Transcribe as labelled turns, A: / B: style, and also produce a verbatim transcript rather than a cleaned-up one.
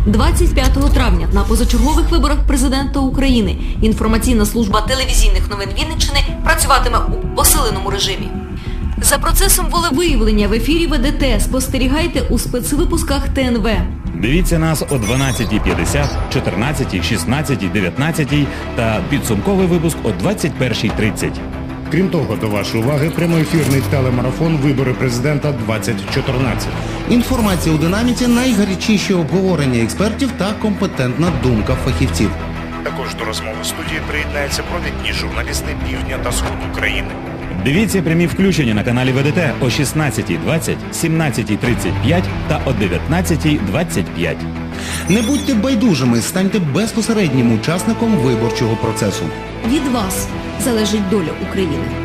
A: двадцять п'ятого травня на позачергових виборах президента України інформаційна служба телевізійних новин Вінниччини працюватиме у посиленому режимі. За процесом волевиявлення в ефірі Ве Де Те спостерігайте у спецвипусках Те Ен Ве.
B: Дивіться нас о дванадцятій п'ятдесят, чотирнадцятій, шістнадцятій, дев'ятнадцятій та підсумковий випуск о двадцять першій тридцять.
C: Крім того, до вашої уваги прямоефірний телемарафон «Вибори президента двадцять чотирнадцять».
D: Інформація у динаміці, найгарячіші обговорення експертів та компетентна думка фахівців.
C: Також до розмови студії приєднаються провідні журналісти Півдня та Сходу України.
B: Дивіться прямі включення на каналі Ве Де Те о шістнадцятій двадцять, сімнадцятій тридцять п'ять та о дев'ятнадцятій двадцять п'ять.
D: Не будьте байдужими, станьте безпосереднім учасником виборчого процесу.
A: Від вас залежить доля України.